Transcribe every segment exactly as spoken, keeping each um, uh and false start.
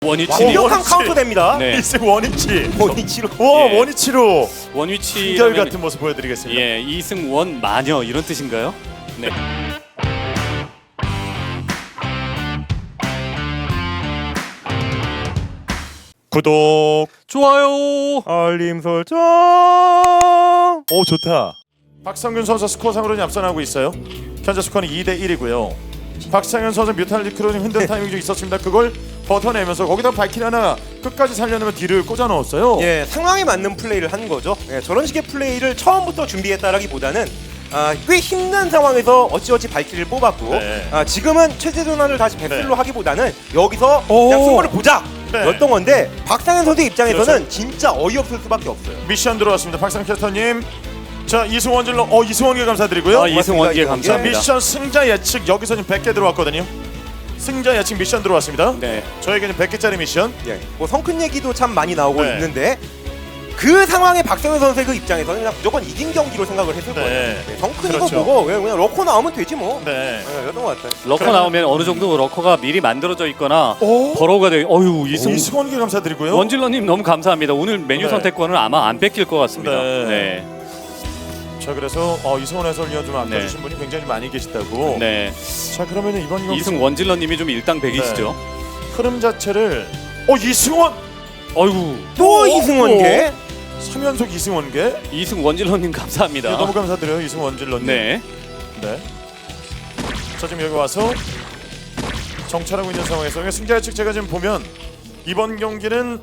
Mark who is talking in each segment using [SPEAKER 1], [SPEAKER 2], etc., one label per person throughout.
[SPEAKER 1] 원위치
[SPEAKER 2] 완벽한 카운터 됩니다.
[SPEAKER 1] 네.
[SPEAKER 3] 이승 원위치.
[SPEAKER 2] 원위치로.
[SPEAKER 3] 와
[SPEAKER 1] 예.
[SPEAKER 3] 원위치로
[SPEAKER 1] 원위치
[SPEAKER 3] 한결 같은 모습 보여드리겠습니다.
[SPEAKER 1] 예, 이승 원 마녀 이런 뜻인가요? 네.
[SPEAKER 3] 구독,
[SPEAKER 1] 좋아요.
[SPEAKER 3] 알림 설정. 오 좋다. 박성균 선수 스코어상으로는 앞서나고 있어요. 현재 스코어는 이 대 일이고요. 박상현 선수 뮤탈리크로 좀 힘든 타이밍이 좀 있었습니다. 그걸 버텨내면서 거기다 발키리 하나 끝까지 살려내면 뒤를 꽂아 넣었어요.
[SPEAKER 2] 예, 상황에 맞는 플레이를 한 거죠. 예, 저런 식의 플레이를 처음부터 준비했다라기보다는 아, 꽤 힘든 상황에서 어찌어찌 발키리를 뽑았고
[SPEAKER 3] 네.
[SPEAKER 2] 아, 지금은 체제 전환을 다시 백슬로
[SPEAKER 3] 네.
[SPEAKER 2] 하기보다는 여기서
[SPEAKER 3] 오.
[SPEAKER 2] 그냥 승부를 보자
[SPEAKER 3] 네.
[SPEAKER 2] 였던 건데 박상현 선수 입장에서는
[SPEAKER 3] 그렇죠.
[SPEAKER 2] 진짜 어이없을 수밖에 없어요.
[SPEAKER 3] 미션 들어왔습니다. 박상 캐스터님. 자 이승원 질러. 어 이승원께 감사드리고요.
[SPEAKER 1] 아, 이승원께
[SPEAKER 2] 고맙습니다,
[SPEAKER 3] 자
[SPEAKER 1] 감사합니다.
[SPEAKER 3] 미션 승자 예측 여기서 지금 백 개 들어왔거든요. 승자 예측 미션 들어왔습니다.
[SPEAKER 1] 네.
[SPEAKER 3] 저에게는 백 개짜리 미션.
[SPEAKER 2] 예, 뭐 성큰 얘기도 참 많이 나오고
[SPEAKER 3] 네.
[SPEAKER 2] 있는데 그 상황에 박상현 선수의 그 입장에서는 그냥 무조건 이긴 경기로 생각을 했을
[SPEAKER 3] 네.
[SPEAKER 2] 거예요. 네, 성큰
[SPEAKER 3] 그렇죠.
[SPEAKER 2] 이거 보고 그냥, 그냥 러커 나오면 되지 뭐.
[SPEAKER 3] 네.
[SPEAKER 2] 네, 이랬던 것 같아요.
[SPEAKER 1] 러커 나오면 어느 정도 러커가 미리 만들어져 있거나
[SPEAKER 3] 오.
[SPEAKER 1] 버러우가 되. 어유 이승
[SPEAKER 3] 이승원께 감사드리고요.
[SPEAKER 1] 원질러님 너무 감사합니다. 오늘 메뉴
[SPEAKER 3] 네.
[SPEAKER 1] 선택권은 아마 안 뺏길 것 같습니다.
[SPEAKER 3] 네.
[SPEAKER 1] 네.
[SPEAKER 3] 자 그래서 어, 이승원 해설위원 좀
[SPEAKER 1] 네.
[SPEAKER 3] 아껴주신 분이 굉장히 많이 계시다고.
[SPEAKER 1] 네.
[SPEAKER 3] 자 그러면 이번 경기
[SPEAKER 1] 이승 원질러님이 좀 일당백이시죠.
[SPEAKER 3] 흐름 자체를 어 이승원
[SPEAKER 1] 어이구.
[SPEAKER 2] 또
[SPEAKER 3] 어,
[SPEAKER 2] 이승원계.
[SPEAKER 3] 삼 연속 이승원계.
[SPEAKER 1] 이승 원질러님 감사합니다.
[SPEAKER 3] 네, 너무 감사드려요 이승원 질러님.
[SPEAKER 1] 네.
[SPEAKER 3] 네. 자 지금 여기 와서 정찰하고 있는 상황에서 승자 예측 제가 지금 보면 이번 경기는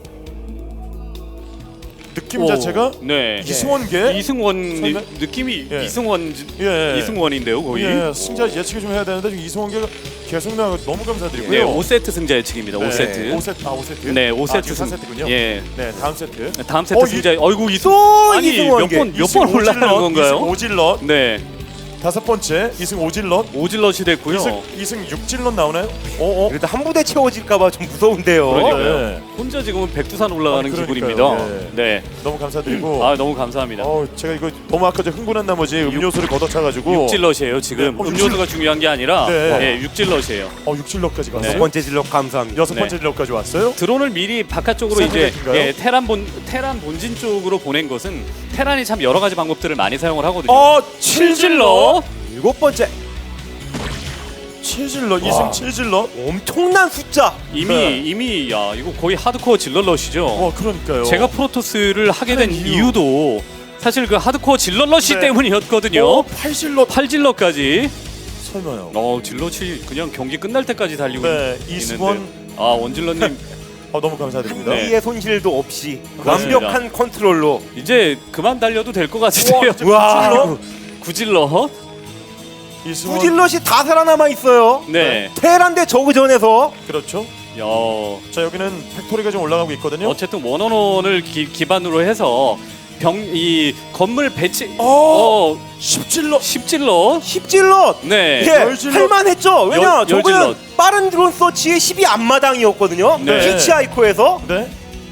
[SPEAKER 3] 느낌
[SPEAKER 1] 오,
[SPEAKER 3] 자체가
[SPEAKER 1] 네.
[SPEAKER 3] 이승원계.
[SPEAKER 1] 이승원
[SPEAKER 3] 설마?
[SPEAKER 1] 느낌이
[SPEAKER 3] 예.
[SPEAKER 1] 이승원
[SPEAKER 3] 예.
[SPEAKER 1] 이승원인데요, 거의.
[SPEAKER 3] 예, 승자 예측을 좀 해야 되는데 지금 이승원계가 계속 나가 너무 감사드리고요.
[SPEAKER 1] 네, 오 세트 승자 예측입니다. 오 세트.
[SPEAKER 3] 오 세트. 아, 오 세트.
[SPEAKER 1] 네, 오 세트
[SPEAKER 3] 아,
[SPEAKER 1] 승.
[SPEAKER 3] 사 세트군요.
[SPEAKER 1] 예.
[SPEAKER 3] 네, 다음 세트.
[SPEAKER 1] 다음 세트
[SPEAKER 3] 어, 이-
[SPEAKER 1] 승자. 어이구 이승.
[SPEAKER 2] 또
[SPEAKER 1] 아니
[SPEAKER 2] 이승원계.
[SPEAKER 1] 몇 번 몇 번 올라가는 건가요?
[SPEAKER 3] 이승 오질럿.
[SPEAKER 1] 네.
[SPEAKER 3] 다섯 번째 이승 오질럿.
[SPEAKER 1] 오질럿이 됐고요.
[SPEAKER 3] 이승 이승 육질럿 나오나요? 어, 어.
[SPEAKER 2] 그래도 한 부대 채워질까봐 좀 무서운데요.
[SPEAKER 1] 그러니까요.
[SPEAKER 3] 네.
[SPEAKER 1] 혼자 지금은 백두산 올라가는
[SPEAKER 3] 아니,
[SPEAKER 1] 기분입니다.
[SPEAKER 3] 그러니까요. 예.
[SPEAKER 1] 네.
[SPEAKER 3] 너무 감사드리고.
[SPEAKER 1] 아 너무 감사합니다.
[SPEAKER 3] 어, 제가 이거 너무 아까 저 흥분한 나머지 음료수를 걷어차가지고.
[SPEAKER 1] 육질럿이에요 지금.
[SPEAKER 3] 네. 어,
[SPEAKER 1] 음료수가
[SPEAKER 3] 육질-
[SPEAKER 1] 중요한 게 아니라
[SPEAKER 3] 네.
[SPEAKER 1] 예, 육질럿이에요.
[SPEAKER 3] 어, 육질럿까지 갔어요.
[SPEAKER 1] 네.
[SPEAKER 2] 첫 번째 진력 감사합니다.
[SPEAKER 3] 여섯
[SPEAKER 1] 네.
[SPEAKER 3] 번째 질럿까지 왔어요.
[SPEAKER 1] 드론을 미리 바깥쪽으로 이제
[SPEAKER 3] 샌드백인가요?
[SPEAKER 1] 예, 테란 본 테란 본진 쪽으로 보낸 것은 테란이 참 여러 가지 방법들을 많이 사용을 하거든요.
[SPEAKER 3] 어,
[SPEAKER 1] 칠질럿.
[SPEAKER 2] 일곱 번째
[SPEAKER 3] 칠질럿
[SPEAKER 2] 와.
[SPEAKER 3] 이승 칠질럿.
[SPEAKER 2] 엄청난 숫자.
[SPEAKER 1] 이미
[SPEAKER 3] 네.
[SPEAKER 1] 이미 야 이거 거의 하드코어 질럿럿이죠.
[SPEAKER 3] 어, 그러니까요.
[SPEAKER 1] 제가 프로토스를 하게 된
[SPEAKER 3] 하는 이유.
[SPEAKER 1] 이유도 사실 그 하드코어 질럿럿이
[SPEAKER 3] 네.
[SPEAKER 1] 때문이었거든요.
[SPEAKER 3] 어, 팔질럿.
[SPEAKER 1] 팔질럿까지.
[SPEAKER 3] 설마요.
[SPEAKER 1] 어 질럿이 그냥 경기 끝날 때까지 달리고
[SPEAKER 3] 네,
[SPEAKER 1] 있는데.
[SPEAKER 3] 이승원.
[SPEAKER 1] 아 원질럿님
[SPEAKER 3] 어, 너무 감사드립니다.
[SPEAKER 1] 네.
[SPEAKER 2] 한비의 손실도 없이
[SPEAKER 1] 그렇습니다.
[SPEAKER 2] 완벽한 컨트롤로.
[SPEAKER 1] 이제 그만 달려도 될 것 같은데요.
[SPEAKER 3] 와,
[SPEAKER 2] 와,
[SPEAKER 1] 구질럿.
[SPEAKER 3] 이승원.
[SPEAKER 2] 구질럿이 다 살아남아 있어요.
[SPEAKER 1] 네.
[SPEAKER 2] 테란 대 저그전에서
[SPEAKER 3] 그렇죠.
[SPEAKER 1] 야.
[SPEAKER 3] 자, 여기는 팩토리가 좀 올라가고 있거든요.
[SPEAKER 1] 어쨌든 원원원을 기, 기반으로 해서 병 이 건물 배치
[SPEAKER 3] 어,
[SPEAKER 1] 어
[SPEAKER 3] 십질럿.
[SPEAKER 1] 십질럿.
[SPEAKER 2] 십질럿.
[SPEAKER 1] 네.
[SPEAKER 2] 예,
[SPEAKER 3] 열질럿.
[SPEAKER 2] 할만했죠. 왜냐,
[SPEAKER 1] 열-
[SPEAKER 2] 저거는
[SPEAKER 1] 열질럿.
[SPEAKER 2] 빠른 드론 서치의 십이 앞마당이었거든요.
[SPEAKER 1] 네.
[SPEAKER 2] 히치하이코에서.
[SPEAKER 3] 네.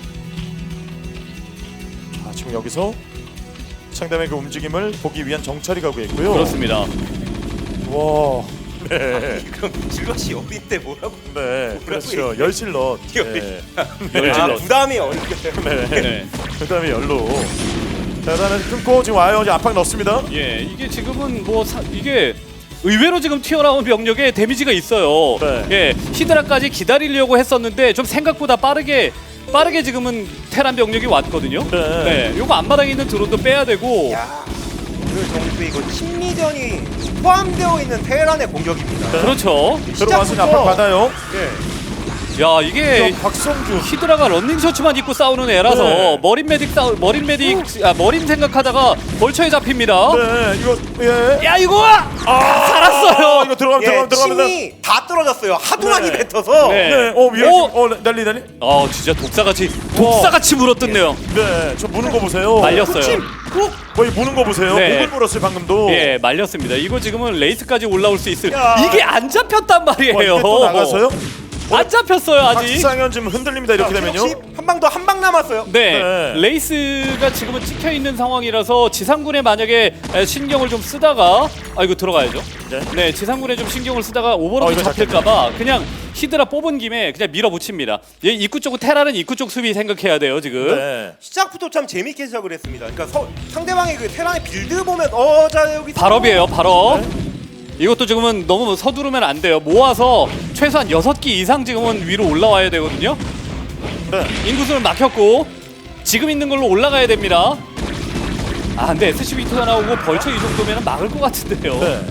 [SPEAKER 3] 자, 지금 여기서 상담의 그 움직임을 보기 위한 정찰이 가고 있고요.
[SPEAKER 1] 그렇습니다.
[SPEAKER 3] 와. 네.
[SPEAKER 2] 그럼 질럿이 어린데 뭐라고?
[SPEAKER 3] 네. 그렇죠. 열질럿. 네.
[SPEAKER 2] 아,
[SPEAKER 1] 열질럿.
[SPEAKER 2] 부담이 어린데.
[SPEAKER 3] 네.
[SPEAKER 1] 네.
[SPEAKER 3] 그다음에 열로. 자, 일단은 끊고 지금 와요. 이제 압박 넣습니다.
[SPEAKER 1] 예, 이게 지금은 뭐 사, 이게 의외로 지금 튀어나온 병력에 데미지가 있어요.
[SPEAKER 3] 네.
[SPEAKER 1] 예, 히드라까지 기다리려고 했었는데 좀 생각보다 빠르게 빠르게 지금은 테란 병력이 왔거든요.
[SPEAKER 3] 네.
[SPEAKER 1] 네, 요거 앞마당에 있는 드론도 빼야 되고.
[SPEAKER 2] 야, 오늘 정도 이거 심리전이 포함되어 있는 테란의 공격입니다.
[SPEAKER 1] 그렇죠.
[SPEAKER 3] 들어와서
[SPEAKER 2] 시작부터-
[SPEAKER 3] 압박 받아요.
[SPEAKER 2] 예.
[SPEAKER 1] 야, 이게
[SPEAKER 3] 저 박성준.
[SPEAKER 1] 히드라가 런닝 셔츠만 입고 싸우는 애라서
[SPEAKER 3] 네.
[SPEAKER 1] 머린 메딕 싸우 머린 메딕 아 머린 생각하다가 벌처에 잡힙니다.
[SPEAKER 3] 네. 이거 예.
[SPEAKER 1] 야, 이거
[SPEAKER 3] 아,
[SPEAKER 1] 살았어요.
[SPEAKER 3] 이거 들어가면
[SPEAKER 2] 예,
[SPEAKER 3] 들어가면 들어가면.
[SPEAKER 2] 침이 다 떨어졌어요. 하도
[SPEAKER 3] 네.
[SPEAKER 2] 많이 뱉어서.
[SPEAKER 1] 네.
[SPEAKER 3] 네. 어, 위에
[SPEAKER 1] 오!
[SPEAKER 3] 지금 어, 난리 난리.
[SPEAKER 1] 아, 진짜 독사같이 독사같이 물어뜯네요.
[SPEAKER 3] 네. 저 무는 거 보세요.
[SPEAKER 1] 말렸어요.
[SPEAKER 2] 침, 꾹.
[SPEAKER 3] 거의 무는 거 보세요.
[SPEAKER 1] 네.
[SPEAKER 3] 목을 물었어요, 방금도.
[SPEAKER 1] 예, 말렸습니다. 이거 지금은 레이스까지 올라올 수 있을.
[SPEAKER 2] 야.
[SPEAKER 1] 이게 안 잡혔단
[SPEAKER 3] 와,
[SPEAKER 1] 말이에요.
[SPEAKER 3] 이게 또 나가서요?
[SPEAKER 1] 안 잡혔어요 아직.
[SPEAKER 3] 박상현 지금 흔들립니다. 이렇게 되면요.
[SPEAKER 2] 한 방 더 한 방 남았어요.
[SPEAKER 1] 네,
[SPEAKER 3] 네.
[SPEAKER 1] 레이스가 지금은 찍혀 있는 상황이라서 지상군에 만약에 에, 신경을 좀 쓰다가 아 이거 들어가야죠.
[SPEAKER 3] 네.
[SPEAKER 1] 네, 지상군에 좀 신경을 쓰다가 오버로드
[SPEAKER 3] 어, 이거
[SPEAKER 1] 잡힐까봐 그냥 히드라 뽑은 김에 그냥 밀어붙입니다. 얘 입구 쪽 테라는 입구 쪽 수비 생각해야 돼요 지금.
[SPEAKER 3] 네.
[SPEAKER 2] 시작부터 참 재밌게 시작을 했습니다. 그러니까 서, 상대방의 그 테란의 빌드 보면 어자 여기
[SPEAKER 1] 발업이에요, 발업.
[SPEAKER 3] 네.
[SPEAKER 1] 이것도 지금은 너무 서두르면 안 돼요. 모아서 최소한 여섯 기 이상 지금은 위로 올라와야 되거든요.
[SPEAKER 3] 네.
[SPEAKER 1] 인구수는 막혔고 지금 있는 걸로 올라가야 됩니다. 아 근데 에스씨비투가 나오고 벌처 이 정도면 막을 것 같은데요.
[SPEAKER 3] 네.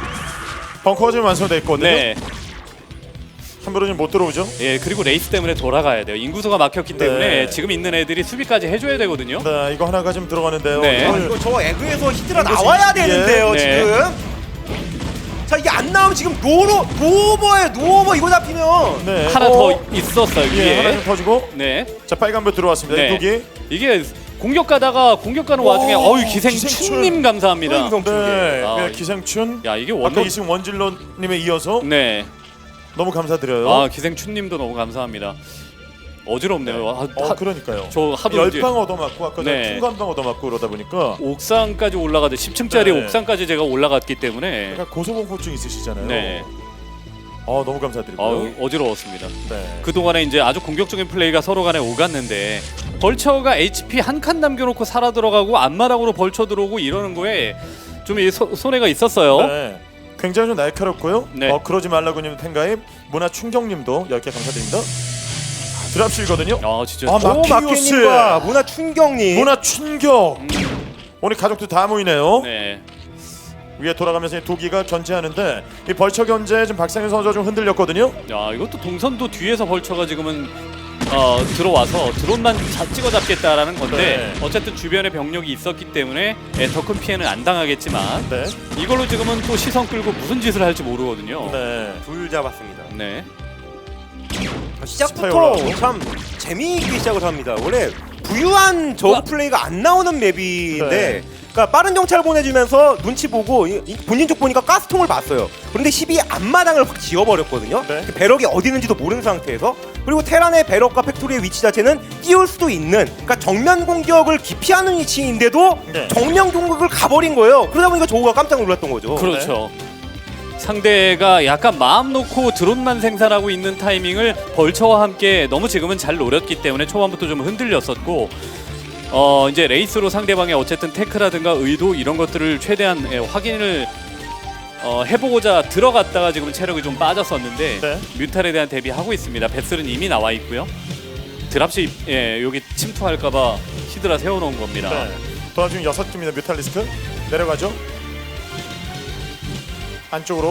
[SPEAKER 3] 벙커가 지금 완성돼 있거든요.
[SPEAKER 1] 네.
[SPEAKER 3] 함부로 지금 못 들어오죠.
[SPEAKER 1] 예, 그리고 레이스 때문에 돌아가야 돼요. 인구수가 막혔기 때문에
[SPEAKER 3] 네.
[SPEAKER 1] 지금 있는 애들이 수비까지 해줘야 되거든요.
[SPEAKER 3] 네, 이거 하나가 지금 들어가는데요.
[SPEAKER 1] 네.
[SPEAKER 2] 아,
[SPEAKER 3] 이걸-
[SPEAKER 2] 이거 저 에그에서 히드라
[SPEAKER 3] 이거
[SPEAKER 2] 나와야
[SPEAKER 3] 지금-
[SPEAKER 2] 되는데요
[SPEAKER 1] 네.
[SPEAKER 2] 지금. 자 이게 안 나오면 지금 노로 노오버에 노오버 이거 잡히면
[SPEAKER 3] 네.
[SPEAKER 1] 하나
[SPEAKER 3] 어,
[SPEAKER 1] 더 있었어요
[SPEAKER 3] 예, 하나
[SPEAKER 1] 위에.
[SPEAKER 3] 좀 터지고.
[SPEAKER 1] 네.
[SPEAKER 3] 자, 빨간불 들어왔습니다.
[SPEAKER 1] 네.
[SPEAKER 3] 이 독이.
[SPEAKER 1] 이게 공격 가다가 공격 가는
[SPEAKER 3] 오,
[SPEAKER 1] 와중에 어유
[SPEAKER 3] 기생충.
[SPEAKER 1] 기생충님 감사합니다.
[SPEAKER 2] 기생충.
[SPEAKER 3] 네.
[SPEAKER 1] 아,
[SPEAKER 3] 네, 기생춘.
[SPEAKER 1] 야 이게
[SPEAKER 3] 아까
[SPEAKER 1] 원로.
[SPEAKER 3] 이승 원질러님에 이어서
[SPEAKER 1] 네.
[SPEAKER 3] 너무 감사드려요.
[SPEAKER 1] 아 기생충님도 너무 감사합니다. 어지럽네요. 아,
[SPEAKER 3] 어,
[SPEAKER 1] 하-
[SPEAKER 3] 그러니까요.
[SPEAKER 1] 저 하도 이제
[SPEAKER 3] 열방 얻어맞고 아까
[SPEAKER 1] 네.
[SPEAKER 3] 네. 풍간방 얻어맞고 그러다 보니까
[SPEAKER 1] 옥상까지 올라가도 십 층짜리
[SPEAKER 3] 네.
[SPEAKER 1] 옥상까지 제가 올라갔기 때문에
[SPEAKER 3] 약간 고소공포증 있으시잖아요.
[SPEAKER 1] 네.
[SPEAKER 3] 어, 너무 감사드리고요.
[SPEAKER 1] 어, 어지러웠습니다.
[SPEAKER 3] 네.
[SPEAKER 1] 그동안에 이제 아주 공격적인 플레이가 서로 간에 오갔는데 벌처가 에이치피 한 칸 남겨놓고 살아 들어가고 앞마당으로 벌쳐 들어오고 이러는 거에 좀 이 손해가 있었어요.
[SPEAKER 3] 네. 굉장히 좀 날카롭고요.
[SPEAKER 1] 네.
[SPEAKER 3] 어, 그러지 말라고님 팬가입 문화 충격님도 열 개 감사드립니다. 드랍실거든요.
[SPEAKER 1] 아 진짜.
[SPEAKER 3] 아,
[SPEAKER 2] 오
[SPEAKER 3] 마키우스.
[SPEAKER 2] 마케님과 문화 충격님.
[SPEAKER 3] 문화 충격. 오늘 가족들 다 모이네요.
[SPEAKER 1] 네.
[SPEAKER 3] 위에 돌아가면서 이 도기가 견제하는데 이 벌처 견제 지금 박상현 선수가 좀 흔들렸거든요.
[SPEAKER 1] 야 이것도 동선도 뒤에서 벌처가 지금은 어, 들어와서 드론만 자, 찍어 잡겠다라는 건데
[SPEAKER 3] 네.
[SPEAKER 1] 어쨌든 주변에 병력이 있었기 때문에 더 큰 피해는 안 당하겠지만
[SPEAKER 3] 네.
[SPEAKER 1] 이걸로 지금은 또 시선 끌고 무슨 짓을 할지 모르거든요.
[SPEAKER 3] 네.
[SPEAKER 2] 둘 잡았습니다.
[SPEAKER 1] 네.
[SPEAKER 3] 스파이
[SPEAKER 2] 시작부터
[SPEAKER 3] 올라가고.
[SPEAKER 2] 참 재미있게 시작을 합니다. 원래 부유한 저그
[SPEAKER 1] 우와.
[SPEAKER 2] 플레이가 안 나오는 맵인데
[SPEAKER 3] 네.
[SPEAKER 2] 그러니까 빠른 정찰 보내주면서 눈치 보고 이- 이 본인 쪽 보니까 가스통을 봤어요. 그런데 십이 앞마당을 확 지워버렸거든요.
[SPEAKER 3] 네.
[SPEAKER 2] 배럭이 어디 있는지도 모르는 상태에서 그리고 테란의 배럭과 팩토리의 위치 자체는 띄울 수도 있는 그러니까 정면 공격을 기피하는 위치인데도
[SPEAKER 3] 네.
[SPEAKER 2] 정면 공격을 가버린 거예요. 그러다 보니까 저우가 깜짝 놀랐던 거죠.
[SPEAKER 1] 그렇죠. 상대가 약간 마음 놓고 드론만 생산하고 있는 타이밍을 벌처와 함께 너무 지금은 잘 노렸기 때문에 초반부터 좀 흔들렸었고 어 이제 레이스로 상대방의 어쨌든 테크라든가 의도 이런 것들을 최대한 예, 확인을 어, 해보고자 들어갔다가 지금 체력이 좀 빠졌었는데
[SPEAKER 3] 네.
[SPEAKER 1] 뮤탈에 대한 대비하고 있습니다. 베슬은 이미 나와 있고요. 드랍시 예, 여기 침투할까봐 히드라 세워놓은 겁니다.
[SPEAKER 3] 네. 도와준 여섯 개입니다. 뮤탈리스크 내려가죠. 안쪽으로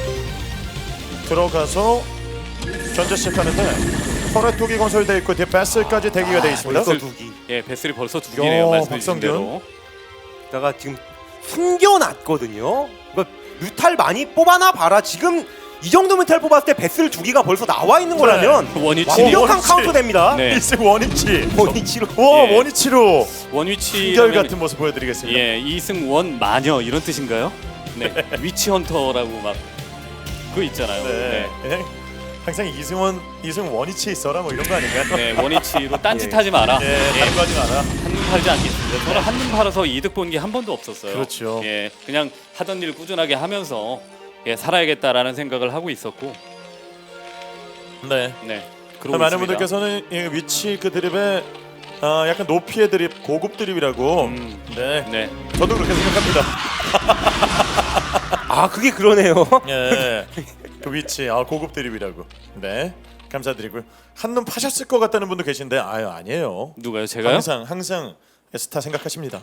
[SPEAKER 3] 들어가서 견제 시작하는데 터렛 두기 건설되어 있고 뒤에 베슬까지 대기가 되어 있습니다.
[SPEAKER 2] 벌써 두기.
[SPEAKER 1] 예, 베슬이 벌써 두 개네요.
[SPEAKER 3] 야,
[SPEAKER 1] 말씀해주신
[SPEAKER 3] 박성균.
[SPEAKER 1] 대로.
[SPEAKER 2] 다가 지금 숨겨놨거든요. 그러니까 뮤탈 많이 뽑아나 봐라. 지금 이 정도 뮤탈 뽑았을 때 베슬 두 기가 벌써 나와 있는 거라면
[SPEAKER 1] 원위치.
[SPEAKER 2] 완벽한
[SPEAKER 3] 원위치.
[SPEAKER 2] 카운터 됩니다.
[SPEAKER 1] 네.
[SPEAKER 3] 일승 원위치.
[SPEAKER 2] 원위치로.
[SPEAKER 3] 와
[SPEAKER 1] 예.
[SPEAKER 3] 원위치로
[SPEAKER 1] 원위치
[SPEAKER 3] 이결 같은 모습 보여드리겠습니다.
[SPEAKER 1] 예, 이승 원 마녀 이런 뜻인가요? 네, 위치 헌터라고 막 그거 있잖아요.
[SPEAKER 3] 네.
[SPEAKER 1] 네,
[SPEAKER 3] 예. 항상 이승원 이승 원위치 있어라 뭐 이런 거 아닌가요?
[SPEAKER 1] 네, 원위치로 딴짓하지 마라.
[SPEAKER 3] 예, 다른 거 하지 마라.
[SPEAKER 1] 한눈 팔지 않겠습니다. 저는 한눈 팔아서 이득 본 게 한 번도 없었어요.
[SPEAKER 3] 그렇죠.
[SPEAKER 1] 예, 그냥 하던 일 꾸준하게 하면서 예, 살아야겠다라는 생각을 하고 있었고,
[SPEAKER 3] 네.
[SPEAKER 1] 네, 그러고
[SPEAKER 3] 많은
[SPEAKER 1] 있습니다.
[SPEAKER 3] 분들께서는 이 위치 그 드립에 아, 약간 높이의 드립, 고급 드립이라고.
[SPEAKER 1] 음,
[SPEAKER 3] 네.
[SPEAKER 1] 네,
[SPEAKER 3] 저도 그렇게 생각합니다.
[SPEAKER 2] 아 그게 그러네요.
[SPEAKER 3] 예. 그 위치, 아 고급 드립이라고. 네. 감사드리고요. 한눈 파셨을 것 같다는 분도 계신데 아유 아니에요.
[SPEAKER 1] 누가요? 제가요?
[SPEAKER 3] 항상 항상 스타 생각하십니다.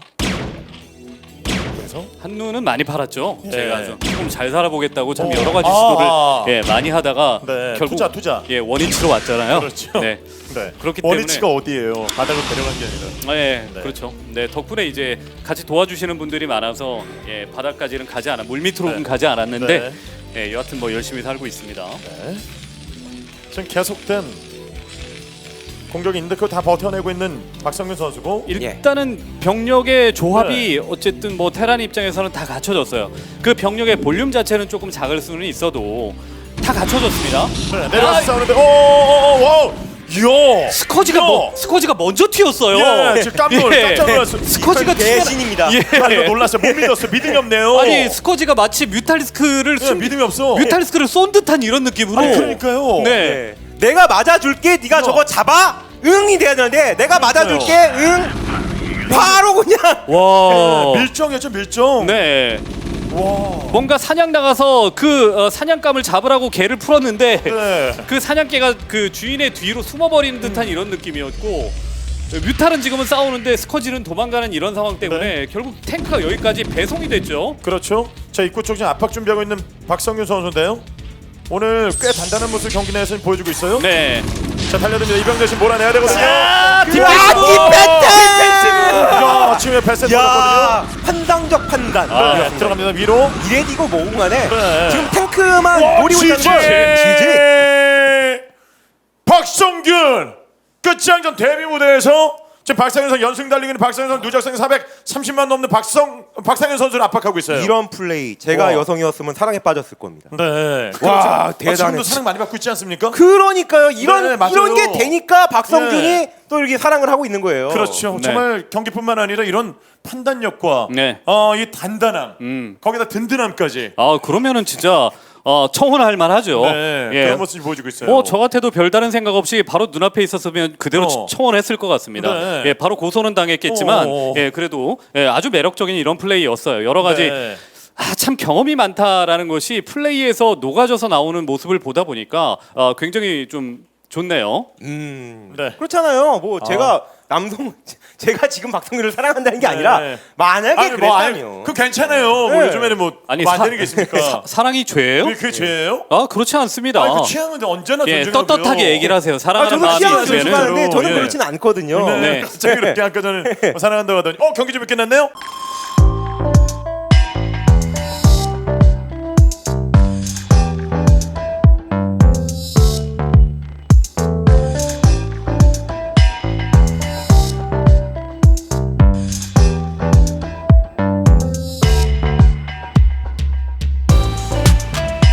[SPEAKER 3] 그래서
[SPEAKER 1] 한눈은 많이 팔았죠.
[SPEAKER 3] 예.
[SPEAKER 1] 제가 좀 조금 잘 살아보겠다고 참
[SPEAKER 3] 어.
[SPEAKER 1] 여러 가지
[SPEAKER 3] 아.
[SPEAKER 1] 시도를 예, 많이 하다가
[SPEAKER 3] 네,
[SPEAKER 1] 결국
[SPEAKER 3] 투자 투자.
[SPEAKER 1] 예, 원위치로 왔잖아요.
[SPEAKER 3] 그렇죠.
[SPEAKER 1] 네,
[SPEAKER 3] 네.
[SPEAKER 1] 그렇기
[SPEAKER 3] 원위치가 어디예요? 바닥으로 데려간 게 아니라.
[SPEAKER 1] 아, 예,
[SPEAKER 3] 네.
[SPEAKER 1] 그렇죠. 네, 덕분에 이제 같이 도와주시는 분들이 많아서 예, 바닥까지는 가지 않아, 물 밑으로는
[SPEAKER 3] 네.
[SPEAKER 1] 가지 않았는데
[SPEAKER 3] 네.
[SPEAKER 1] 예, 여하튼 뭐 열심히 살고 있습니다.
[SPEAKER 3] 네. 지금 계속된 공격이 있는데 그걸 다 버텨내고 있는 박성균 선수고.
[SPEAKER 1] 일단은 병력의 조합이 어쨌든 뭐 테란 입장에서는 다 갖춰졌어요. 그 병력의 볼륨 자체는 조금 작을 수는 있어도 다 갖춰졌습니다.
[SPEAKER 3] 네, 내려와서
[SPEAKER 1] 아,
[SPEAKER 3] 싸우는데 오오오오 이야
[SPEAKER 1] 스커지가
[SPEAKER 3] 이야.
[SPEAKER 1] 뭐, 스커지가 먼저 튀었어요.
[SPEAKER 3] 예, 지금 깜놀
[SPEAKER 1] 예.
[SPEAKER 3] 깜짝 놀랐어요.
[SPEAKER 1] 스커지가
[SPEAKER 2] 이건 개신입니다.
[SPEAKER 1] 예.
[SPEAKER 3] 아, 이거 놀랐어요. 못 믿었어요. 믿음이 없네요.
[SPEAKER 1] 아니 스커지가 마치 뮤탈리스크를
[SPEAKER 3] 예,
[SPEAKER 1] 숨,
[SPEAKER 3] 믿음이 없어.
[SPEAKER 1] 뮤탈리스크를 쏜 듯한 이런 느낌으로.
[SPEAKER 3] 아니, 그러니까요.
[SPEAKER 1] 네.
[SPEAKER 2] 네. 내가 맞아줄게. 네가 저거 잡아. 응이 돼야 되는데 내가 맞아줄게. 응. 바로 그냥.
[SPEAKER 1] 와.
[SPEAKER 3] 예, 밀정이었죠 밀정.
[SPEAKER 1] 네.
[SPEAKER 3] 와.
[SPEAKER 1] 뭔가 사냥 나가서 그 어, 사냥감을 잡으라고 개를 풀었는데
[SPEAKER 3] 네.
[SPEAKER 1] 그 사냥개가 그 주인의 뒤로 숨어버리는 듯한 이런 느낌이었고 뮤탈은 지금은 싸우는데 스커지는 도망가는 이런 상황 때문에
[SPEAKER 3] 네.
[SPEAKER 1] 결국 탱크가 여기까지 배송이 됐죠.
[SPEAKER 3] 그렇죠. 자 입구 쪽 지금 압박 준비하고 있는 박성균 선수인데요. 오늘 꽤 단단한 모습 경기 내에서 보여주고 있어요.
[SPEAKER 1] 네.
[SPEAKER 3] 자 달려듭니다. 이병 대신 몰아내야 되거든요.
[SPEAKER 1] 아,
[SPEAKER 2] 아, 디펜스!
[SPEAKER 3] 야 지금 패스
[SPEAKER 2] 야,
[SPEAKER 3] 들어갔거든요.
[SPEAKER 2] 판단적 판단.
[SPEAKER 3] 아,
[SPEAKER 2] 네.
[SPEAKER 3] 들어갑니다. 위로.
[SPEAKER 2] 이레디고 뭐고 간에
[SPEAKER 3] 네.
[SPEAKER 2] 지금 탱크만 노리고 있다는
[SPEAKER 3] 지지.
[SPEAKER 2] 걸 지지.
[SPEAKER 3] 박성균 끝장전 데뷔 무대에서 지금 박상현 선수 연승 달리기 있는 박상현 선수 누적생 사백삼십만 넘는 박성 박상현 선수를 압박하고 있어요.
[SPEAKER 2] 이런 플레이 제가
[SPEAKER 3] 와.
[SPEAKER 2] 여성이었으면 사랑에 빠졌을 겁니다.
[SPEAKER 3] 네.
[SPEAKER 2] 와,
[SPEAKER 3] 그렇죠.
[SPEAKER 2] 대단해.
[SPEAKER 3] 지금도 사랑 많이 받고 있지 않습니까?
[SPEAKER 2] 그러니까요. 이런
[SPEAKER 3] 네, 맞아요.
[SPEAKER 2] 이런 게 되니까 박성균이
[SPEAKER 3] 네.
[SPEAKER 2] 또 이렇게 사랑을 하고 있는 거예요.
[SPEAKER 3] 그렇죠.
[SPEAKER 1] 네.
[SPEAKER 3] 정말 경기뿐만 아니라 이런 판단력과
[SPEAKER 1] 네.
[SPEAKER 3] 어, 이 단단함,
[SPEAKER 1] 음.
[SPEAKER 3] 거기다 든든함까지.
[SPEAKER 1] 아 그러면은 진짜 어, 청혼할 만하죠.
[SPEAKER 3] 네,
[SPEAKER 1] 예.
[SPEAKER 3] 그런 모습이 보여주고 있어요.
[SPEAKER 1] 뭐 저 같아도 별다른 생각 없이 바로 눈앞에 있었으면 그대로
[SPEAKER 3] 어.
[SPEAKER 1] 청원했을 것 같습니다.
[SPEAKER 3] 네.
[SPEAKER 1] 예, 바로 고소는 당했겠지만
[SPEAKER 3] 어.
[SPEAKER 1] 예, 그래도 예, 아주 매력적인 이런 플레이였어요. 여러 가지
[SPEAKER 3] 네.
[SPEAKER 1] 아, 참 경험이 많다라는 것이 플레이에서 녹아져서 나오는 모습을 보다 보니까 어, 굉장히 좀 좋네요.
[SPEAKER 2] 음.
[SPEAKER 3] 네.
[SPEAKER 2] 그렇잖아요. 뭐 제가 남성 제가 지금 박성균을 사랑한다는 게 아니라
[SPEAKER 3] 네.
[SPEAKER 2] 만약에
[SPEAKER 3] 아니, 뭐, 아니,
[SPEAKER 2] 그랬다면
[SPEAKER 3] 그 괜찮아요. 뭐
[SPEAKER 2] 네.
[SPEAKER 3] 요즘에는 뭐,
[SPEAKER 1] 아니
[SPEAKER 3] 뭐 안
[SPEAKER 1] 사-
[SPEAKER 3] 되는 게 있습니까?
[SPEAKER 1] 사, 사랑이 죄예요?
[SPEAKER 3] 그게 그게 죄예요?
[SPEAKER 1] 아 그렇지 않습니다.
[SPEAKER 3] 아니, 그 취향은 언제나
[SPEAKER 1] 예,
[SPEAKER 3] 존중하고요.
[SPEAKER 1] 떴떴하게 얘기를 하세요.
[SPEAKER 2] 아,
[SPEAKER 1] 사랑하는
[SPEAKER 2] 저도
[SPEAKER 1] 마음이
[SPEAKER 2] 취향을
[SPEAKER 1] 있으면은
[SPEAKER 2] 존중하는데 저는
[SPEAKER 3] 예.
[SPEAKER 2] 그렇진 않거든요.
[SPEAKER 3] 네.
[SPEAKER 1] 네.
[SPEAKER 3] 갑자기 그렇게 아까 전에 뭐 사랑한다고 하더니 어 경기 좀 끝났네요?